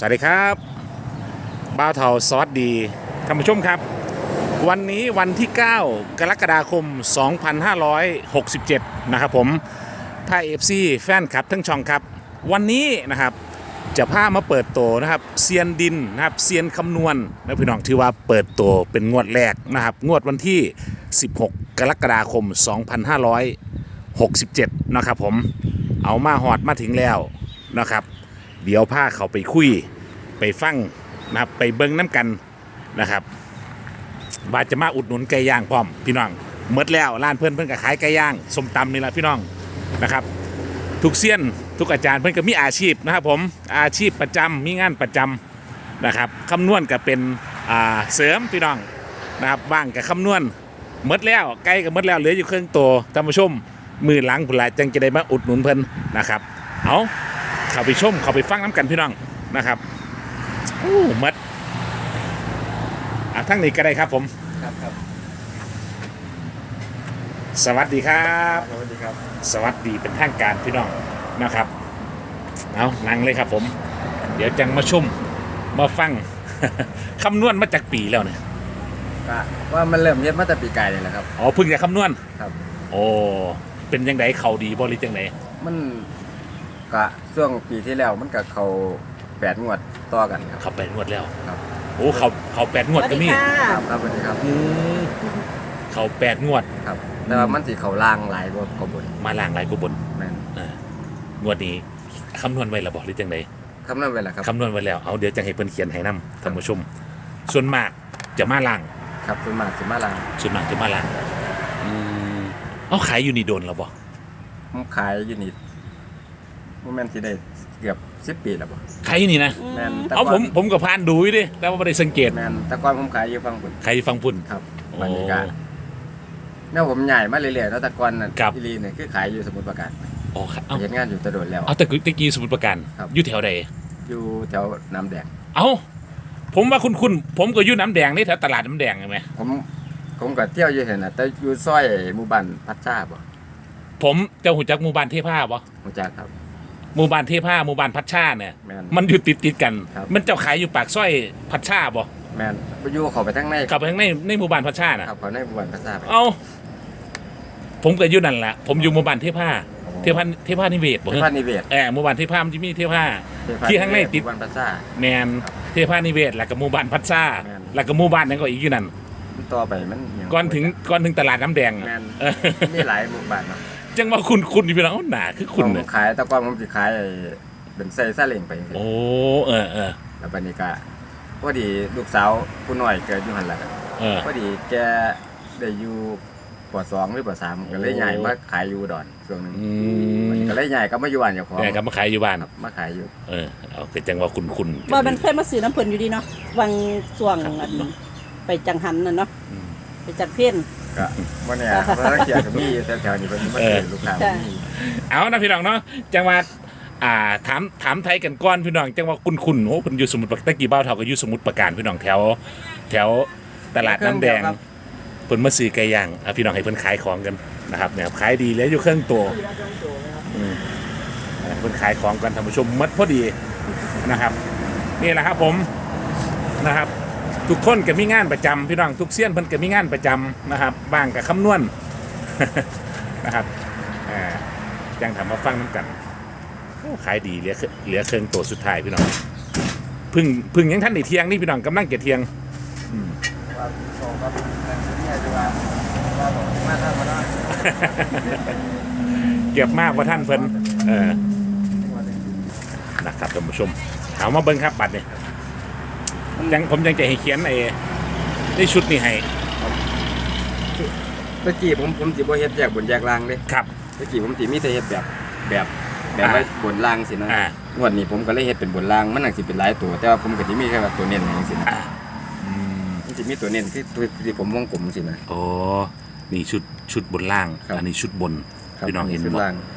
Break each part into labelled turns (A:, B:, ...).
A: วัสดีครับบ้าวเทาสวัสดีท่านผู้ชมครับวันนี้วันที่ 9 กรกฎาคม 2567 นะครับผมไทย FC แฟนคลับทั้งช่องครับวันนี้นะครับจะพามาเปิดตัวนะครับเซียนดินนะครับเซียนคำนวณนะพี่น้องที่ว่าเปิดตัวเป็นงวดแรกนะครับงวดวันที่ 16 กรกฎาคม 2567 นะครับผมเอามาหอดมาถึงแล้วนะครับเดี๋ยวพาเขาไปคุยไปฟังนะครับไปเบิ้งน้ำกันนะครับว่าจะมาอุดหนุนไก่ย่างพร้อมพี่น้องเมดแล้วร้านเพื่อนก็ขายไก่ย่างส้มตำนี่แหละพี่น้องนะครับทุกเซียนทุกอาจารย์เพื่อนก็มีอาชีพนะครับผมอาชีพประจำมีงานประจำนะครับคำนวณก็เป็นเสริมพี่น้องนะครับว่างกับคำนวณเมดแล้วไก่ก็เมดแล้วเหลืออยู่เครื่องตัวท่านผู้ชมมือหลังผุนละจังจะได้มาอุดหนุนเพิ่นนะครับเอาเข้าไปชมเข้าไปฟังน้ำกันพี่น้องนะครับโอ้มัดทั้งนี้ก็ได้ครับผม
B: ครับ
A: สวัสดีครับ
B: สวัสดีครับ
A: สวัสดีเป็นทางการพี่น้องนะครับเอานั่งเลยครับผมเดี๋ยวจังมาชมมาฟัง คำนวณมาจากปีแล้วเนี่ย
B: ก็ว่ามันเริ่มเย็ดมาแต่ปีไก่เลยแหละครับ
A: อ๋อเพิ่งจะคำนวณ
B: ครับ
A: โอ้เป็นยังไงเขาดีบริจังไหน
B: มันก็ช่วงปีที่แล้วมันกับเขา8 งวดต่อกันครับ
A: เขา8 งวดแล้ว
B: ครับ
A: โอ้เขา8 งวดก็มี
B: ครับสวัสดีครับ
A: เขา8 งวด
B: ครับแต่ว่ามันสิเขาล่างหลายกว่าบน
A: มาล่างหลายกว่าบน
B: แม่น
A: งวดนี้คำนวณไว้แล้วบอกหรือจังไหน
B: คำนวณไว้แล้วครับ
A: คำนวณไว้แล้วเอาเดี๋ยวจะให้เพิ่นเขียนให้นำท่านผู้ชมส่วนมากจะมาล่าง
B: ครับส่วนมากจะมาล่าง
A: เอาขายอยู่นี่โดนแล้วบ่
B: ผมขายอยู่นี่โมเมนต์ที่ได้เกือบ10 ปีแล้วบ่
A: ขายอยู่นี่นะ
B: แม่น
A: เอาผมก็ผ่านดูอยู่ดิแต่ว่าไม่ได้สังเกต
B: แม่นแต่ก่อนผมขายอยู่ฝั่งพุ่น
A: ขายอยู่ฝั่งพุ่น
B: ครับวันนี้ก็แนวผมใหญ่มาเรื่อยๆแล้วแต่ก่อนน่ะที่ลีเนี่ยคือขายอยู่สมุทรปราการ
A: อ๋อ
B: เฮ็ดงานอยู่ตะโดดแล้ว
A: เอาแต่ตะกี้สมุทรปราการอยู่แถวใด
B: อยู่แถวน้ำแดง
A: เอาผมว่าคุณผมก็อยู่น้ำแดงนี่แถวตลาดน้ำแดงใช่ไหม
B: ผมก็เที่ยวอยู่เห็นน่ะแต่อยู่ซอยหมู่บ้านพัชชาบ่
A: ผมเจ้าหูจักหมู่บ้านเทพาบ่
B: หูจักครับ
A: หมู่บ้านเทพาหมู่บ้านพัชชาเนี่ยมันอยู่ติดกันมันเจ้าขายอยู่ปากซอยพัชชาบ่
B: แม่นไปอยู่เข้าไปทางใน
A: เข้าไปทางในหมู่บ้านพัชชาน่ะ
B: ครับเข้าในหมู่บ้านพัชชา
A: เอาผมก็อยู่นั่นแหละผมอยู่หมู่บ้านเทพานิเวศบ่
B: เทพานิเวศ
A: หมู่บ้านเทพามันจะมีเทพาที่ข้างในติด
B: หมู่บ้านพัชชา
A: แมนเทพานิเวศแล้วก็หมู่บ้านพัชชาแล้วก็หมู่บ้านนั้นก็อีกอยู่นั่น
B: ต่อไปมัน
A: ก่อนถึงตลาดน้ำแดง
B: มีหลายหมู่บ้านเนาะ
A: จังว่าคุณพี่น้องหนาคือคุณ
B: เนี่ยขายแต่ก่อนผมสิขายเป็นใส่ซาเล้งไป
A: โอ้
B: แล้วบัดนี้ก็พอดีลูกสาวผู้น้อยเกิดอยู่หั่นล่ะพอดีแกได้อยู่ป.2 หรือป.3 ก็เลยย้ายมาขายอยู่อุดรช่วงนึงมันก็เลยย้ายกลับมาอยู่บ้านเจ้าของ
A: กลับมาขายอยู่บ้าน
B: มาขายอยู่
A: เอาคือจังว่าคุณ
C: บ่มันเคยมาซื้อน้ำเพิ่นอยู่ดีเนาะวังช่วงไปจังหันน่ะเนาะไปจัดเพี้ยน
B: ก็บ่เนี่ยเพราะเกียร์ก็มีแถวๆนี้เพิ่นมาซื้อลูกค้ามี
A: เอานะพี่น้องเนาะจังว่าถามไทยกันก่อนพี่น้องจังว่าคุณโอ้เพิ่นอยู่สมุทรปราการตะกี้บ้าวเฒ่าก็อยู่สมุทรปราการพี่น้องแถวตลาดน้ำแดงเพิ่นมาซื้อไก่ย่างพี่น้องให้เพิ่นขายของกันนะครับเนี่ยขายดีแล้วอยู่เครื่องตัวเพิ่นขายของกันท่านผู้ชมมัดพอดีนะครับนี่แหละครับผมนะครับทุกคนก็มีงานประจำพี่น้องทุกเซียนเพิ่นก็มีงานประจำนะครับบ้างกับคำนวณนะครับจังทำมาฟังน้ำกันขายดีเหลือเครื่องตัวสุดท้ายพี่น้องพึ่งยังท่านในเที่ยงนี่พี่น้องกำลังเก็บเที่ยงเก็บมากกว่าท่านเพิ่นนะครับท่านผู้ชมเอามาเบิ้งครับบัตรเนี่ยผมยังจะให้เขียนในชุดนี้ให้
B: ตะกี้ผมสิบ่เฮ็ดแยกบนแยกล่างเด้
A: ครับ
B: ตะกี้ผมสิมีแต่เฮ็ดแบบไว้บนล่างสินะงวดนี้ผมก็เลยเฮ็ดเป็นบนล่างมันน่าสิเป็นหลายตัวแต่ว่าผมก็สิมีแค่ว่าตัวเน้นจังซี่นะมันสิมีตัวเน้นคือตัวที่ผมวงกลมสินะ
A: อ๋อนี่ชุดบนล่างอันนี้ชุดบนพี่น้องเห็นบ่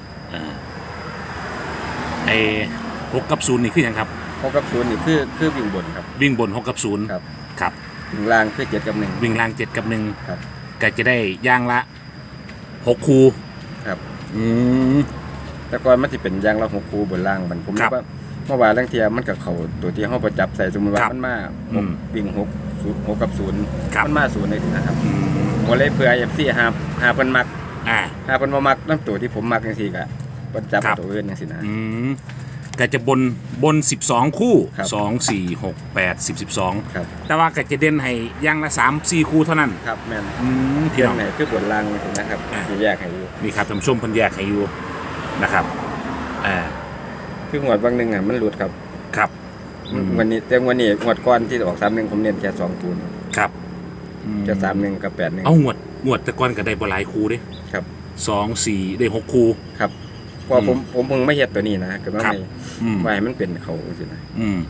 A: 6 กับ 0นี่คือหยังครับ
B: 6 กับ 0นี่คือวิ่งบนครับ
A: วิ่งบน6 กับ 0ครับ
B: วิ่งล่างคือ7 กับ 1
A: วิ่งล่าง7 กับ 1ครับก็จะได้ย่างละ6 คู่
B: ครับแต่ก่อนมันสิเป็นย่างละ6 คู่บนล่างมันผมว่าเมื่อวานลังเทียมันกับเขาตัวที่เขาประจับใส่สมมติว่า
A: ครับ
B: มันมา
A: อืม
B: วิ่ง6กับ0
A: ครับ
B: มันมา0เลยนะครับ
A: อืม
B: ผมเลยเผื่อ FC หาเพิ่นมัก
A: อ่า
B: หาเพิ่นบ่มักน้ำตัวที่ผมมักจังซี่ก็ประจับ
A: ครับ
B: ตัวอื่นจังซี่นะ
A: อืมก็จะบน12 คู่
B: ครับ
A: 2 4 6 8 10 12
B: ครับ
A: แต่ว่าก็จะเด่นให้อย่างละ3 4 คู่เท่านั้น
B: ครับแม่น
A: พี่
B: เรื่อ
A: น้อง
B: งไหนคือบทลางจังซี่นะครับ
A: อ่า
B: ที่แยกให้อยู่
A: นี่ครับท่านผู้ชมเพิ่นแยกให้อยู่นะครับอ่า
B: คืองวดบางหนึงอ่ะมันหลุดครับ
A: ครับ
B: วันนี้แต่วันนี้งวดก่อนที่ออก31ผมเน้นแค่2ตัว
A: ครับ
B: แค่31กับ81
A: เอางวดแต่ก่อนก็ได้บ่หลายคู่เด้
B: ครับ
A: 2 4ได้6คู่
B: ครับเพอผมเพิ่งไม่เฮ็ดตัวนี้นะก็ว่า
A: ครับ
B: ไม่
A: อืม
B: ว่าให้มันเป็นเขาจังซี่นะ
A: อืม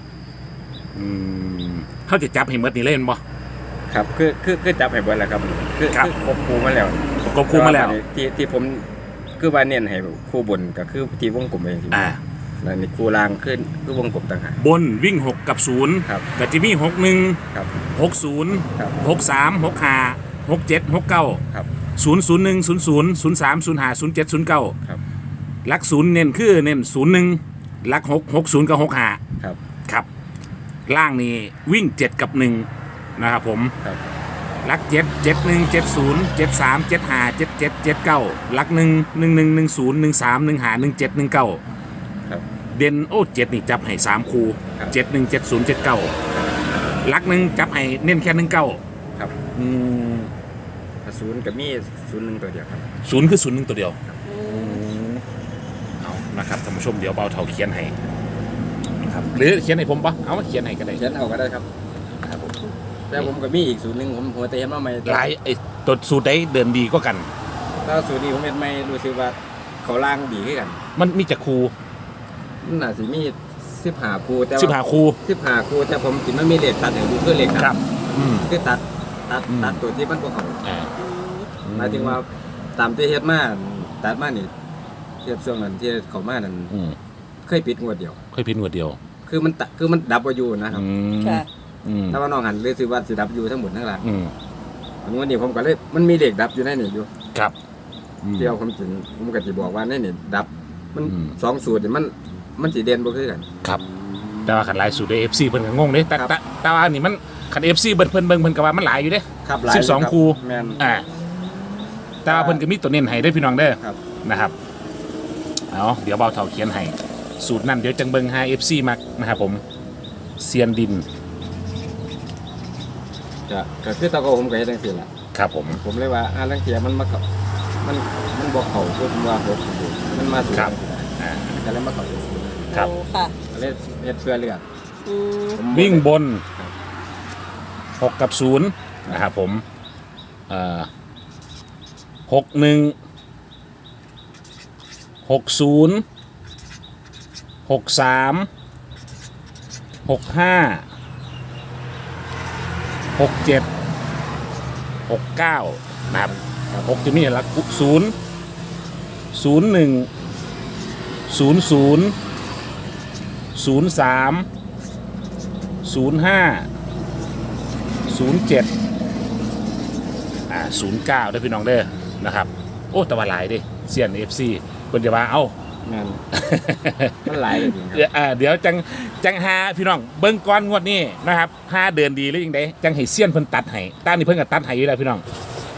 A: เขาจะจับให้หมดนี่เล่นบ่
B: ครับคือจับให้เบิดแล้วครับคือ
A: ครับ
B: ครบครูมาแล้ว
A: ก็คู่มาแล้ว
B: ที่ผมคือว่าเน้นให้คู่บนก็คือที่วงกลมเองที่
A: อ่า
B: แล้วนี่คู่ล่างขึ้นคือวงกลมต่างหาก
A: บนวิ่ง 6 กับ 0
B: ครับ
A: ก็จะมี 61
B: ครับ
A: 60
B: ครับ
A: 63 65 67 69
B: ครับ
A: 001 00 03 05 07 09
B: ครับ
A: หลัก0เน้นคือเน้น01หลัก6 60กับ65
B: ครับ
A: ครับ ล่างนี่วิ่ง 7 กับ 1 นะครับผม
B: ครับ
A: หลัก7 71 70 73 75 77 79หลัก1 11 10 13 15 17 19
B: ครับ
A: เด่นโอ้7นี่จับให้3คู่
B: ครับ
A: 71 70 79หลัก1จับให้เน้นแค่19
B: ครับ
A: อืม
B: ศูนย์กับมี01ตัวเดียวครับ
A: 0คือ01ตัวเดียวเอานะครับท่านผู้ชมเดี๋ยวเบาเท่าเขียนให้นะครับหรือเขียนให้ผมปะเอามาเขียนให้ก็ได้
B: เขียนเอาก็ได้ครับ
A: ครับผม
B: แต่ผมก็มีอีก01ผมหัวแต่เห็นว่าไม่
A: หลายไอ้ตัวสูตรใดเดินดีก็กัน
B: ถ้าสูตรนี้ผมเห็นไม่รู้สึกว่าเขาล่างดีขึ้นกัน
A: มันมีจักครู
B: มันน่าสิมี15คู่แต่
A: 15ครู
B: 15คู่แต่ผมกินมันมีเลขตัดให้ดูคือเลข
A: ครับ อืม
B: คือตัด
A: อืม
B: ตัวที่มันบ่เข้า
A: อ่า
B: หมายถึงว่าตามที่เฮ็ดมาตัดมานี่เทียบช่วงนั้นที่เขามานั้น
A: อืม
B: เคยปิดงวดเดียว
A: ค่อยพินหัวเดียว
B: คือมันดับบ่อยู่นะครับ
A: อืม
C: ค่ะ
A: อืม
B: ถ้าว่าน้องหันเลยสิว่าสิดับอยู่ทั้งหมดทั้งหลัง
A: อืม
B: งวดนี้ผมก็เลยมันมีเลขดับอยู่ในนี่อยู่
A: ครับอืม
B: เที่ยวผมจริงผมก็สิบอกว่าในนี่ดับ มัน
A: อืม
B: สองสูตรนี่มันสิเด่นบ่คือกัน
A: ครับ แต่ว่าขันหลายสูตรเอฟซีเพิ่นก็งงเด้แต่
B: ครับ
A: แต่ว่านี่มันขันเอฟซีเพิ่นเบิ่งก็ว่ามันหลายอยู่เด้
B: ครับหลาย
A: 12
B: รับ
A: คู่
B: แม่น
A: อ่าแต่ว่าเพิ่นก็มีตัวเน้นให้ได้อพี่น้องเด้อ
B: ครับ
A: นะครับเอาเดี๋ยวเบาเท่าเขียนให้สูตรนั้นเดี๋ยวจังเบิ่งให้ FC มักนะครับผมเซียนดิน
B: ก็คือตะโกผมก็เฮ็ดจังซี่ล่ะ
A: ครับผม
B: ผมเลยว่าลังเทียมันมาเข้ามันบ่เข้าคือผมว่ามันมาสู่
A: ครับอ่า
B: ก็เลยมาเข้าจังซี่
A: ครับ
C: โอ้ค่ะ
B: ก็เลยเฮ็ดเพื่อเลือก
C: อืม
B: ผม
A: วิ่งบน
B: ครับ
A: 6 กับ 0 นะครับผม61 60 63 65 67 69 นะครับ6จะมีหลัก0 01 00 03 05 0709ได้พี่น้องเด้อนะครับโอ้แตะวันหลายเดิเซียน FC เพิ่นจะว่าเอ้า
B: แม่น มันหลายเลยจริงครับ
A: เดี๋ยวจังหาพี่น้องเบิ่งก่อนงวดนี้นะครับ5เดือนดีหรือยังไดจังให้เซียนเพิ่นตัดให้ต้านนี่เพิ่นก็ตัดให้อยู่แล้วพี่น้อง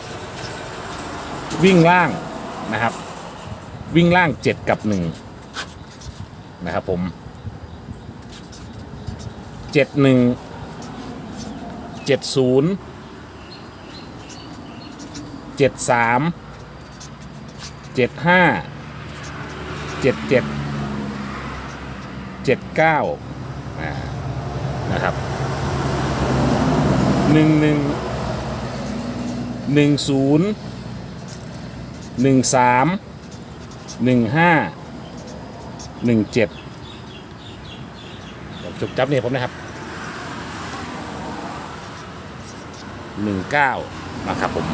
A: วิ่งล่างนะครับ วิ่งล่าง7กับ1นะครับผม71 70 73 75 77 79นะครับ11 10 13 15 17จบจับเนี่ยผมนะครับ19นะครับผม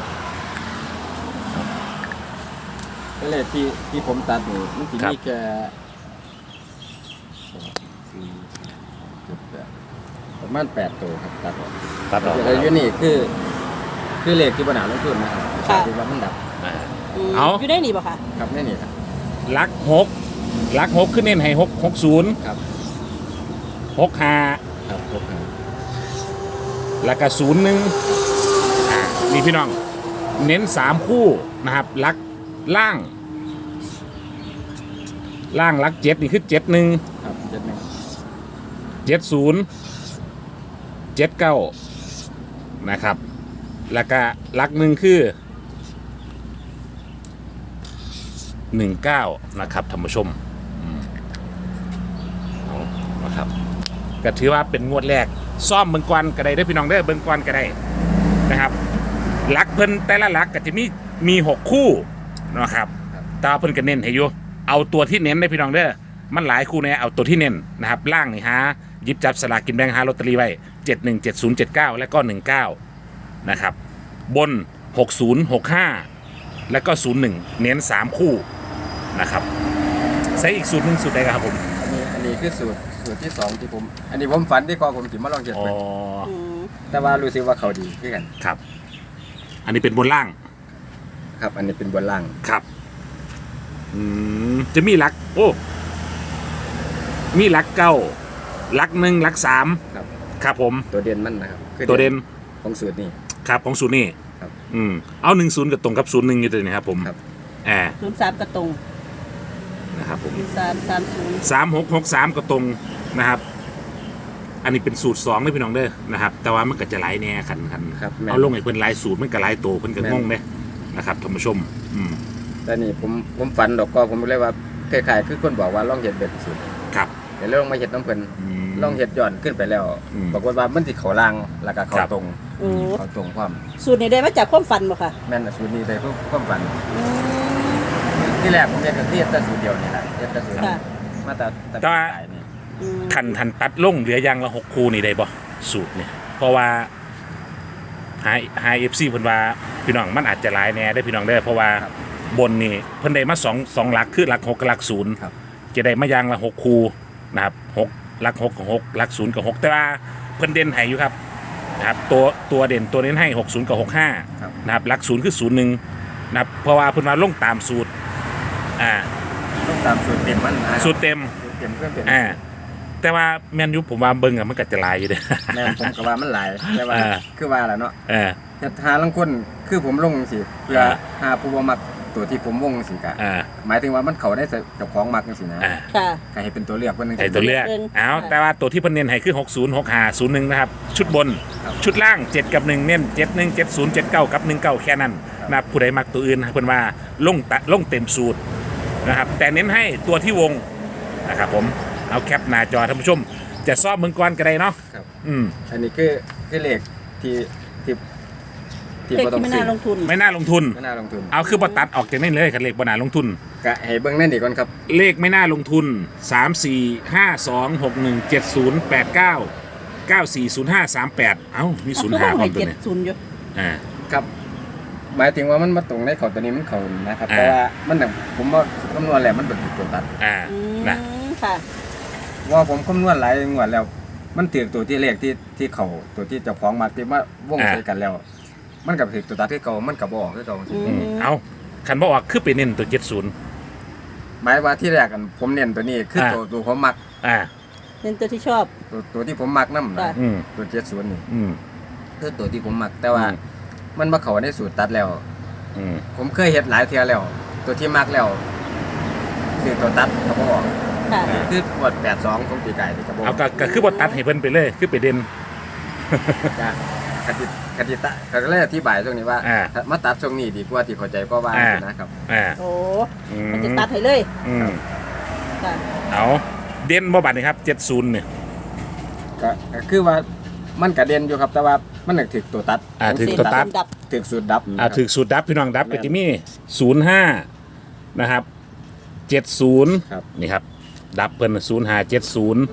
B: ก็เลยที่ผมตัดนี่มันสิ
A: ครับ
B: มีแค่ประมาณ8ตัวครับตัดออก
A: ตัดออก
B: แต่อยู่นี่คือเลขที่ปัญหาลงทุนนะครับ
C: ค่ะ
B: ที่ว่ามันดับ
A: อ่า
C: ม
A: เอา
C: อยู่ได้หนีบ่ค่ะ
B: ครับแน่นี่ครับ
A: ลัก6 หลักหกขึ้นเน้นให้660
B: ครับ
A: 65
B: ครับ6
A: แล้วก็01นี่พี่น้องเน้น3คู่นะครับหลักล่างหลัก7นี่คือ71
B: ครับ
A: 70 79นะครับแล้วก็หลักหนึ่งคือ19นะครับท่านผู้ชมเอานะครับก็ถือว่าเป็นงวดแรกซ่อมเบิ่งกวนก็ได้เด้อพี่น้องเด้อเบิ่งกวนก็ได้นะครับหลักเพิ่นแต่ละหลักก็จะมี6คู่นะครับแตว่าเพิ่นก็เน้นให้อยู่เอาตัวที่เน้นได้พี่น้องเด้อมันหลายคู่เนี่ยเอาตัวที่เน้นนะครับล่างนี่หาหยิบจับสลากกินแบ่งหาลอตเตอรี่ไว้71 70 79และก็19นะครับบน60 65แล้วก็01เน้น3คู่นะครับใช้อีกสูตรหนึงสูตรใดครับผม
B: อันนี้คือสูตรที่สองที่ผมอันนี้ผมฝันที่กอผมสิมาลองเฮ็ด
A: อ๋อ
B: เบิ่ง
C: อืม
B: แต่ว่ารู้สึกว่าเขาดีคือกัน
A: ครับอันนี้เป็นบนล่าง
B: ครับ อันนี้เป็นบนล่าง
A: ครับจะมีหลักโอ้มีหลักเก้าหลัก1หลัก3
B: ครับ
A: ครับผม
B: ตัวเด่นมันนะครับคือ
A: ตัวเด่น
B: ของสูตรนี่
A: ครับของศูนย์นี่
B: ครับ
A: เอา10กับตรงกับ01อยู่ตัวนี้ครับผม
B: ครับ
C: 03กระตรง
A: นะครับผม
C: 330
A: 3663ก็ตรงนะครับ อันนี้เป็นสูตร2เลยพี่น้องเด้อนะครับ แต่ว่ามันก็จะหลายแน่คัน
B: ครับแม่น
A: เอาลงให้เพิ่นหลายสูตรมันก็หลายโตเพิ่นก็งงเด้นะครับท่านผู้ชม
B: แต่นี่ผมฝันดอกก็ผมเลยว่าคล้ายๆคือคนบอกว่าลองเฮ็ดแบบสูตร
A: ครับ
B: แต่ลองมาเฮ็ดน้ำเพิ่น
A: ม
B: ลองเฮ็ดย้อนขึ้นไปแล้ว
A: อืม
B: ปรากฏว่ามันสิเข้าล่างแล้วก็เข้า
A: ครับ
B: ตรง
C: โอ้
B: เข้าตรงพร้อม
C: สูตรนี้ได้มาจากความฝันบ่ค่ะ
B: แม่นสูตรนี้เลยความฝัน
C: อืม
B: ที่แรกผมเฮ็ดก็เฮ็ดแต่สูตรเดียวนี่แหละเฮ็ดแต่สูตร
C: ค่ะ
B: มาแต่
A: แต่ว่า
B: สายนี่
C: อืม
A: ทันตัดลงเหลือยางละ6คู่นี่ได้บ่สูตรเนี่ยเพราะว่าหา FC เพิ่นว่าพี่น้องมันอาจจะหลายแน่ได้อพี่น้องเด้อเพราะว่าบนนี่เพิ่นได้มา2หลักคือหลัก6กับหลัก0
B: ครับ
A: จะได้มายางละ6คู่นะครับ6หลัก6กับ6หลัก0กับ6แต่ว่าเพิ่นเด่นให้อยู่ครับนะครับตัวเด่นตัวเน้นให้60กับ
B: ครับ
A: 65นะครับหลัก0คือ01นะครับเพราะว่าเพิ่นว่าลงตามสูตร
B: ต้องตามสูตรเต็มมันนะครับ
A: สูตรเต็ม
B: สูตรเต็มเพื่อนเป็น
A: แต่ว่าแมนยูผมว่าเบิ่งอะมันก็จะหลายอยู่เด้อ
B: แม่นผมก็ว่ามันหลายแต่ว่า คือว่าแหละเนาะ
A: เออ
B: เฮ็ดหาลังคนคือผมลงสิเพื่อหาผู้บ่มักตัวที่ผมวงสิกะ
A: อ่า
B: หมายถึงว่ามันเข้าได้เจ้าของมักจังซี่นะ
C: ค่ะ
B: ก็ให้เป็นตัวเลือกเพิ่นนึง
A: ไอ้ตัวเลือก
C: เบิ่ง
A: เอา
C: ค่ะ
A: แต่ว่าตัวที่เพิ่นเน้นให้คือ60 65 01นะครับชุดบน
B: ครับ
A: ชุดล่าง 7 กับ 1 เน้น 71 70 79 กับ 19 แค่นั้นนะครับผู้ใดมักตัวอื่นเพิ่นว่าลงเต็มสูตรนะครับแต่เน้นให้ตัวที่วงนะครับผมเอาแคปหน้าจอท่านผู้ชม จะซ่อมเมืองก่อนก็ได้เนาะ
B: ครับ
A: อั
B: อันนี้คือเลขที่
C: เลข
B: บ่ต้อ
C: ที่
B: ง
C: ไม่
B: ซื้
C: น่า
B: อ
C: ลงทุน
A: ไม่น่าลงทุน
B: ไม่น่าลงทุน
A: เอาคือบ่ตัดออกจากนี่เลยคันเลขบ่น่าลงทุน
B: ก็ให้เบิ่งนั่นดีก่อนครับ
A: เลขไม่น่าลงทุน 3 4 5 2 6 1 7 0 8 9 9 4 0 5 3 8 เอ้ามี
C: คือ
A: 0
C: ว่า
A: 5พร้อ
C: ให้
A: มตัวนี้
C: 70อยู่
A: อ่า
B: ครับ หมายถึงว่ามันมาตรงในเขาตัวนี้มันเข้านะครับ
A: อ่า
B: แต่ว่ามันน่ะผมว่าคำนวณแล้วมันเป็นตัวตัด
A: อ่า
C: อืม
A: นะ
C: ค่ะ
B: ว่าผมคำนวณหลายงวดแล้ว มันถือตัวที่เลขที่เขาตัวที่เจ้าของมาที่ว่าวงใส่กันแล้ว มันกับถือตัวตัดที่เก่ามันกับบ่ออกที่เก่า
C: อืม
A: เอาคันบอกว่าคือไปเน้นตัว
B: หมายว่าที่แรกกันผมเน้นตัวนี้คือตัวผมมัก
A: 70อ่า
C: เป็นตัวที่ชอบ
B: ตัวที่ผมมักนำ
C: ค่ะ
B: นะ
A: อืม
B: ตัว70นี่
A: อืม
B: คือตัวที่ผมมักแต่ว่า
A: อืม
B: มันมาเข้าในสูตรตัดแล้ว
A: อืม
B: ผมเคยเฮ็ดหลายเทื่อแล้ว ตัวที่มักแล้วคือตัวตัดก็บ่ออก
C: ค่ะ
B: คืองวด82ของปีไก่ที่ก็บ่อ
A: เอา
B: อก
A: ก็คือบ่ตัดให้เพิ่นไปเลย คือไปเด่น
B: จ้ะคติตะก็เลยอธิบายตรงนี้ว่า
A: อ่า
B: มาตัดตรงนี้ดีกว่าที่เข้าใจก็ว่า
A: อ่า
B: นะครับ
A: อ่า
C: โอ้
A: อื
C: มันจะตัดให้เลย
A: อืม
C: ค่ะ
A: เอาเด่นบ่บัดนี่ครับ70เนี่ย
B: ก็คือว่ามันกระเด็นอยู่ครับแต่ว่ามันนึกถึกตัวตัด
A: ถึงตัวตัด
C: ดับ
B: ถึกสูตรดับ
A: ถึงสูตรดับพี่น้องดับก็จะมี05นะครับ70
B: ครับ
A: นี่ครับ ดับเพิ่น0570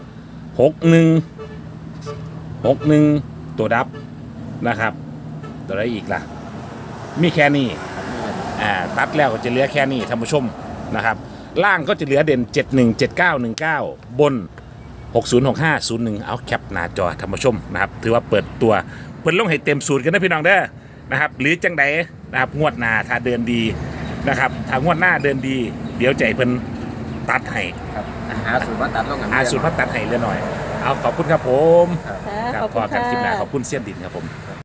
A: 61ตัวดับนะครับ ตัวอะไรอีกล่ะ มีแค่นี้ตัดแล้วก็จะเหลือแค่นี้ท่านผู้ชมนะครับ ล่างก็จะเหลือเด่น 71 79 19 บน 60 65 01 เอาแคปหน้าจอท่านผู้ชมนะครับ ถือว่าเปิดตัวเพิ่นลงให้เต็มสูตรกันนะพี่น้องเด้อนะครับ หรือจังใดนะครับงวดหน้าถ้าเดินดีนะครับถ้างวดหน้าเดินดี เดี๋ยวใจเพิ่นตัดให้
B: ครับหาสูตรมาตัดลงกัน
A: หาสูตรมาตัดให้เรือหน่อยเอาขอบคุณครับผม
B: ครับ
C: ค่ะ
A: ครับ
C: ขอบ
A: พ
C: คุ
A: อ
C: ณ
A: กันคลิปหน้า
C: ค่ะ
A: ขอบคุณเซียนดินครับผม